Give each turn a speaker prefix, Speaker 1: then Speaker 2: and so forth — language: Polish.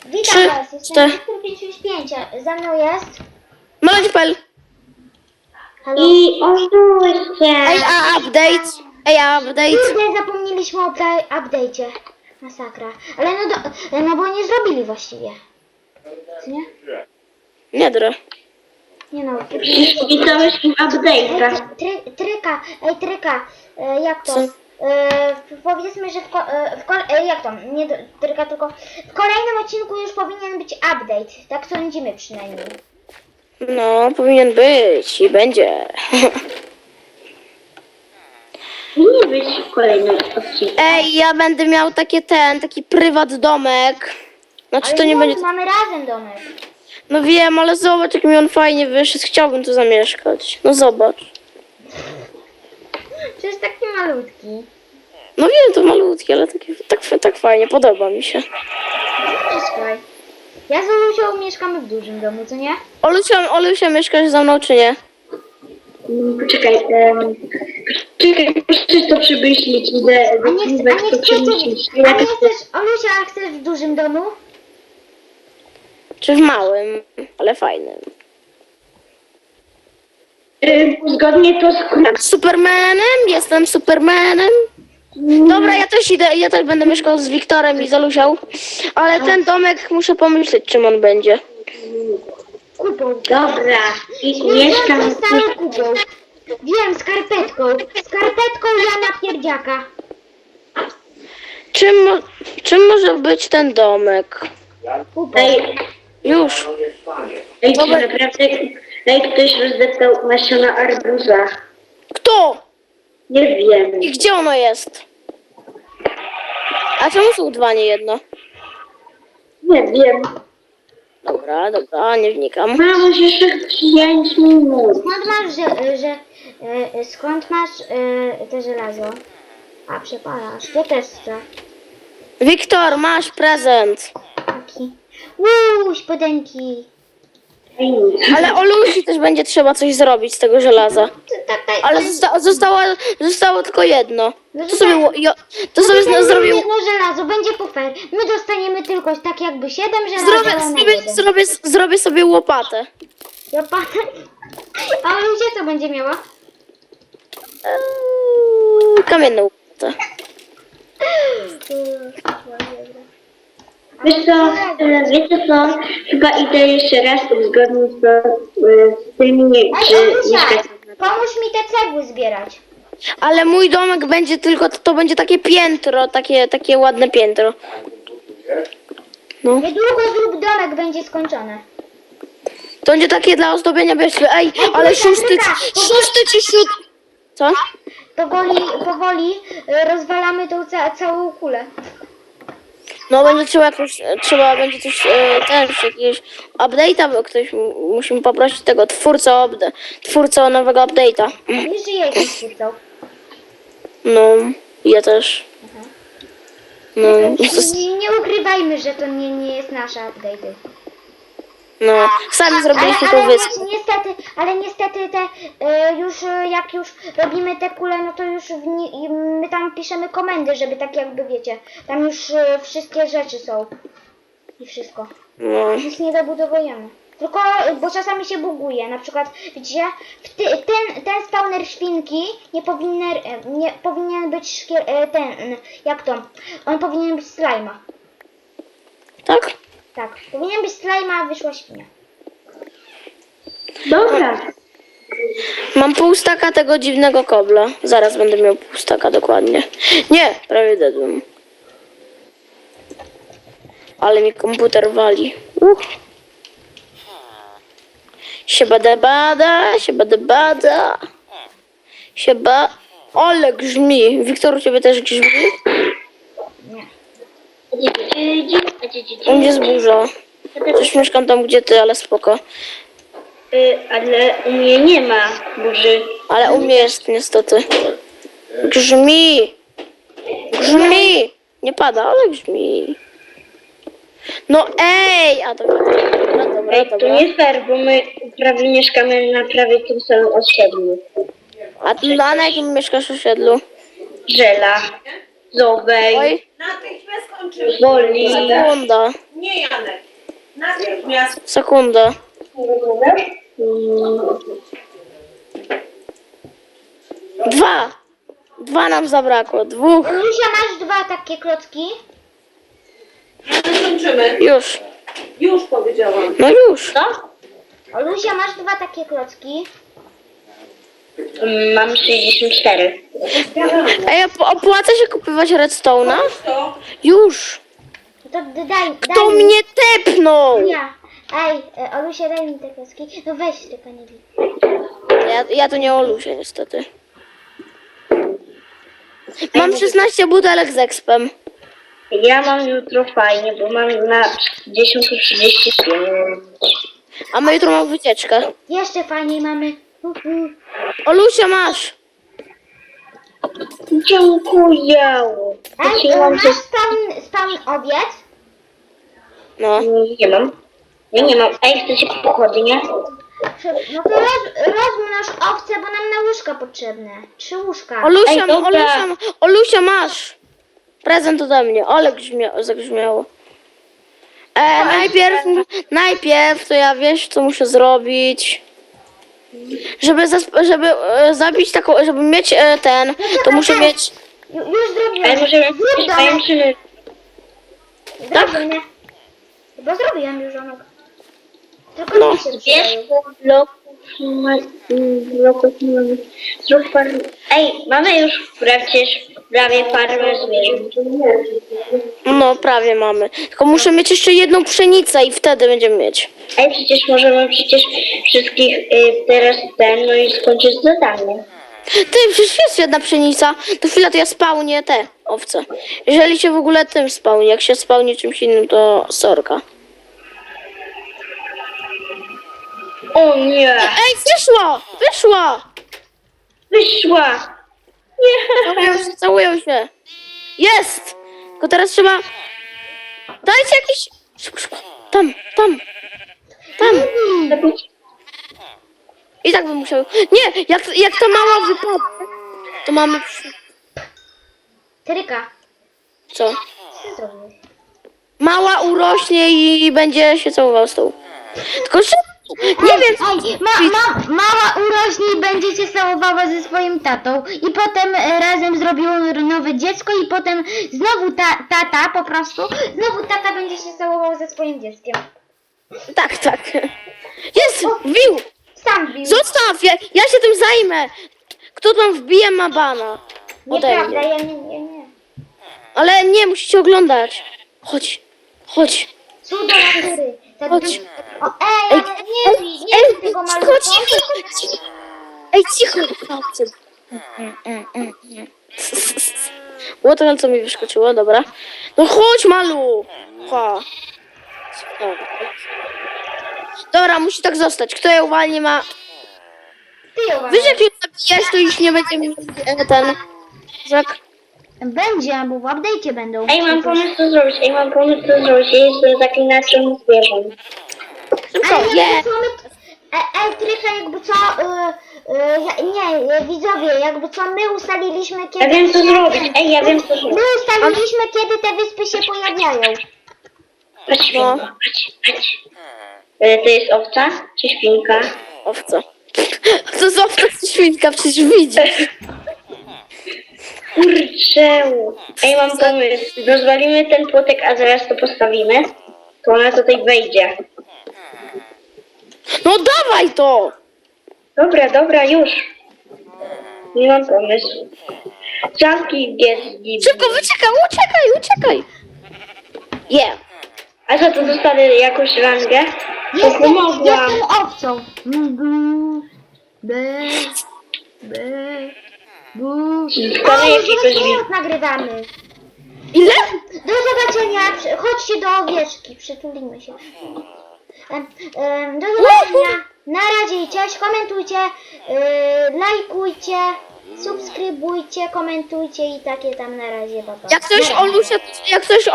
Speaker 1: Witam
Speaker 2: Trzy,
Speaker 1: was, jestem
Speaker 2: cztery.
Speaker 1: Wiktor 565, za mną jest...
Speaker 2: Malać.pl.
Speaker 1: Halo?
Speaker 3: I oszustwie.
Speaker 2: Ej, a update.
Speaker 1: Kurde, zapomnieliśmy o update'cie. Masakra. Ale no bo nie zrobili właściwie. Co nie?
Speaker 2: Nie dra.
Speaker 1: Nie no.
Speaker 3: Wpisałeś im update'a.
Speaker 1: Tryka, jak to?
Speaker 2: Co?
Speaker 1: Powiedzmy, że jak to? Nie tryka, tylko w kolejnym odcinku już powinien być update. Tak sądzimy przynajmniej.
Speaker 2: No, powinien być i będzie.
Speaker 3: Nie być w kolejnym odcinku.
Speaker 2: Ej, ja będę miał taki prywat domek. Znaczy
Speaker 1: Ale
Speaker 2: to nie będzie...
Speaker 1: mamy razem domek.
Speaker 2: No wiem, ale zobacz jak mi on fajnie wyszedł. Chciałbym tu zamieszkać. No zobacz.
Speaker 1: Przecież taki malutki.
Speaker 2: No wiem, to malutkie, ale tak fajnie, podoba mi się.
Speaker 1: Słuchaj. Ja z Olusią mieszkamy w dużym domu, co nie?
Speaker 2: Olusia, mieszkasz ze mną czy nie?
Speaker 3: Poczekaj, proszę to przemyśleć. Idę
Speaker 1: A nie
Speaker 3: to przemyśleć.
Speaker 1: chcesz, Olusia, a chcesz w dużym domu?
Speaker 2: Czy w małym, ale fajnym.
Speaker 3: Zgodnie to z
Speaker 2: Supermanem? Jestem Supermanem. Dobra, ja też idę, ja też będę mieszkał z Wiktorem i z Alusią. Ale ten domek muszę pomyśleć, czym on będzie.
Speaker 1: Kupą.
Speaker 3: Dobra. I
Speaker 1: Nie,
Speaker 3: mieszkam.
Speaker 1: to stałe kupą. Wiem, skarpetką. Skarpetką Jana Pierdziaka.
Speaker 2: Czym może być ten domek?
Speaker 1: Kupą.
Speaker 2: Już.
Speaker 3: Ej, czy naprawdę ktoś rozdeptał nasiona arbuza?
Speaker 2: Kto?
Speaker 3: Nie wiem.
Speaker 2: I gdzie ono jest? A czemu są dwa, nie jedno?
Speaker 3: Nie wiem.
Speaker 2: Dobra, nie wnikam.
Speaker 3: Mam jeszcze 5 minut.
Speaker 1: Skąd masz, skąd masz te żelazo? A, przepalasz. To też chcę.
Speaker 2: Wiktor, masz prezent.
Speaker 1: Taki. Spodenki.
Speaker 2: Ale Olusi też będzie trzeba coś zrobić z tego żelaza. Ale zostało tylko jedno. To sobie zrobił.
Speaker 1: Jedno żelazo, będzie po fair. My dostaniemy tylko tak jakby 7 żelazo na jeden.
Speaker 2: Zrobię sobie łopatę.
Speaker 1: A Olusia co będzie miała?
Speaker 2: Kamienną łopatę.
Speaker 3: Wiecie co? Chyba idę jeszcze raz uzgodnić to z tymi,
Speaker 1: Ej,
Speaker 3: czy
Speaker 1: Olusia,
Speaker 3: mieszkać.
Speaker 1: pomóż mi te cegły zbierać.
Speaker 2: Ale mój domek będzie tylko, to będzie takie piętro, takie ładne piętro. No.
Speaker 1: Niedługo zrób domek będzie skończony.
Speaker 2: To będzie takie dla ozdobienia wierzchu. Ej, ale szósty czy siódmy... Co?
Speaker 1: Powoli rozwalamy tą całą kulę.
Speaker 2: No będzie trzeba będzie coś też jakiegoś update'a, bo ktoś musimy poprosić tego twórcę nowego update'a.
Speaker 1: Nie żyje ich twórcą.
Speaker 2: No, ja też. No,
Speaker 1: Nie ukrywajmy, że to nie jest nasza update.
Speaker 2: no, sami zrobiliśmy tą wyspę.
Speaker 1: Ale niestety jak już robimy te kule, no to już my tam piszemy komendy, żeby tak jakby wiecie, tam już wszystkie rzeczy są. I wszystko.
Speaker 2: No.
Speaker 1: Nic nie dobudowujemy. Tylko, bo czasami się buguje. Na przykład, widzicie, ten spawner świnki nie powinien być jak to? On powinien być slajma.
Speaker 2: Tak?
Speaker 1: Tak, powinien być slajma, a wyszła świnia.
Speaker 3: Dobra.
Speaker 2: Mam pół staka tego dziwnego kobla. Zaraz będę miał pół staka dokładnie. Nie, prawie dedłem. Ale mi komputer wali. Siebadebada. Ale grzmi. Wiktor, u ciebie też grzmi? U mnie jest burza. Też mieszkam tam, gdzie ty, ale spoko.
Speaker 3: Ale u mnie nie ma burzy.
Speaker 2: Ale u mnie jest niestety. Grzmi. Nie pada, ale grzmi. No ej! A dobra.
Speaker 3: To nie fair, bo my prawie mieszkamy na prawie tym samym osiedlu.
Speaker 2: A na jakim mieszkasz osiedlu?
Speaker 3: Żela, Zowej,
Speaker 2: Oj,
Speaker 3: Woli.
Speaker 2: sekunda.
Speaker 4: Nie, Janek. Natychmiast.
Speaker 2: Sekundę. Dwa nam zabrakło. Dwóch.
Speaker 1: Olusia, masz 2 takie klocki?
Speaker 4: Kończymy.
Speaker 2: Już.
Speaker 4: Już powiedziałam.
Speaker 2: No już.
Speaker 3: Co?
Speaker 1: Olusia, masz 2 takie klocki?
Speaker 3: Mam 64.
Speaker 2: Ej, opłaca się kupować redstone'a?
Speaker 4: To
Speaker 2: Już.
Speaker 1: No to daj
Speaker 2: Kto
Speaker 1: mi.
Speaker 2: mnie tepnął?
Speaker 1: Ja. Ej, Olusia, daj mi te klocki. No weź, tylko nie bij.
Speaker 2: Ja to nie Olusie niestety. Mam 16 butelek z expem.
Speaker 3: Ja mam jutro fajnie, bo mam na 10:35.
Speaker 2: A my jutro mamy wycieczkę.
Speaker 1: Jeszcze fajniej mamy.
Speaker 2: Olusia, masz.
Speaker 3: Dziękuję.
Speaker 1: Ej, masz spawn obiec?
Speaker 2: No.
Speaker 3: Nie mam. Ja nie mam. Ej, chcecie pochodnie?
Speaker 1: No to rozmnoż owce, bo nam na łóżka potrzebne. 3 łóżka.
Speaker 2: Olusia,
Speaker 3: Ej, dobra.
Speaker 2: Olusia, masz. Prezent ode mnie. Ale zagrzmiało. Najpierw to ja wiesz, co muszę zrobić. Żeby zabić taką, żeby mieć ten, to muszę mieć.
Speaker 1: Już zrobiłem.
Speaker 3: Ale możemy
Speaker 1: Zrób
Speaker 3: jakieś
Speaker 1: domek.
Speaker 3: pajęczyny.
Speaker 1: Zrobię. Bo zrobiłem już onog. Tylko
Speaker 2: No.
Speaker 1: mi się
Speaker 3: Wiesz,
Speaker 1: przydają.
Speaker 3: bloków nie mamy. Zrób farmę. Ej, mamy już prawie farmę zwierząt.
Speaker 2: No, prawie mamy. Tylko muszę mieć jeszcze jedną pszenicę i wtedy będziemy mieć.
Speaker 3: Ej, przecież możemy wszystkich teraz no i skończyć zadanie.
Speaker 2: Ty, przecież jest jedna pszenica. To chwila, to ja spełnię te owce. Jeżeli się w ogóle tym spełni, jak się spełni czymś innym, to sorka.
Speaker 3: O nie!
Speaker 2: Ej, wyszła!
Speaker 3: Wyszła! Nie!
Speaker 2: Całują się. Jest! Tylko teraz trzeba... Dajcie jakiś... Szybko. Tam. I tak bym musiał... Nie, jak ta mała wypadnie, to mamy...
Speaker 1: Tryka.
Speaker 2: Co?
Speaker 1: Co zrobiłeś?
Speaker 2: Mała urośnie i będzie się całował z tą. Tylko szybko. Nie wiem,
Speaker 1: Ej, mała urośnie i będzie się całowała ze swoim tatą. I potem razem zrobią nowe dziecko i potem znowu tata po prostu. Znowu tata będzie się całował ze swoim dzieckiem.
Speaker 2: Tak. Jest! Wbił!
Speaker 1: Sam bił.
Speaker 2: Zostaw! Ja się tym zajmę! Kto tam wbije, ma bana. Ode
Speaker 1: Nieprawda,
Speaker 2: mnie.
Speaker 1: ja nie.
Speaker 2: Ale nie, musicie oglądać. Chodź.
Speaker 1: Cudo natury. Tak
Speaker 2: Chodź.
Speaker 1: O, ale nie bij tego malucha.
Speaker 2: Cicho. Ej, cicho. Było to, co mi wyskoczyło, dobra. No chodź, malu. Dobra, musi tak zostać. Kto je uwalni ma...
Speaker 1: Ty ją
Speaker 2: Wiesz, jak ją zabijesz, to już nie będzie miał ten... Jak...
Speaker 1: Będzie, bo w update'cie będą.
Speaker 3: Ej, mam pomysł co zrobić. Ja jestem zaklinaczem zwierząt.
Speaker 2: Szybko,
Speaker 1: Ej, Trycha, jakby co, widzowie, jakby co, my ustaliliśmy kiedy...
Speaker 3: Ja wiem co zrobić. Ej, ja wiem co zrobić.
Speaker 1: My ustaliliśmy kiedy te wyspy się pojawiają.
Speaker 3: Patrz, świnko, patrz. To jest owca czy świnka?
Speaker 2: Owca. To jest owca czy świnka, przecież widzisz.
Speaker 3: Kurczę. Ej, mam pomysł. Rozwalimy ten płotek, a zaraz to postawimy. To ona tutaj wejdzie.
Speaker 2: No dawaj to!
Speaker 3: Dobra, już. Nie mam pomysł. Zamknij gdzieś.
Speaker 2: Szybko, uciekaj! Yeah.
Speaker 3: A co, to dostanę jakąś rangę? To pomogłam.
Speaker 1: Jestem owcą.
Speaker 3: Dostanę jakiegoś
Speaker 1: Teraz nagrywamy.
Speaker 2: Ile?
Speaker 1: Do zobaczenia. Chodźcie do owieczki. Przytulimy się. Do zobaczenia. Na razie i cześć. Komentujcie, lajkujcie, subskrybujcie, komentujcie i takie tam na razie. Pa, pa.
Speaker 2: Jak ktoś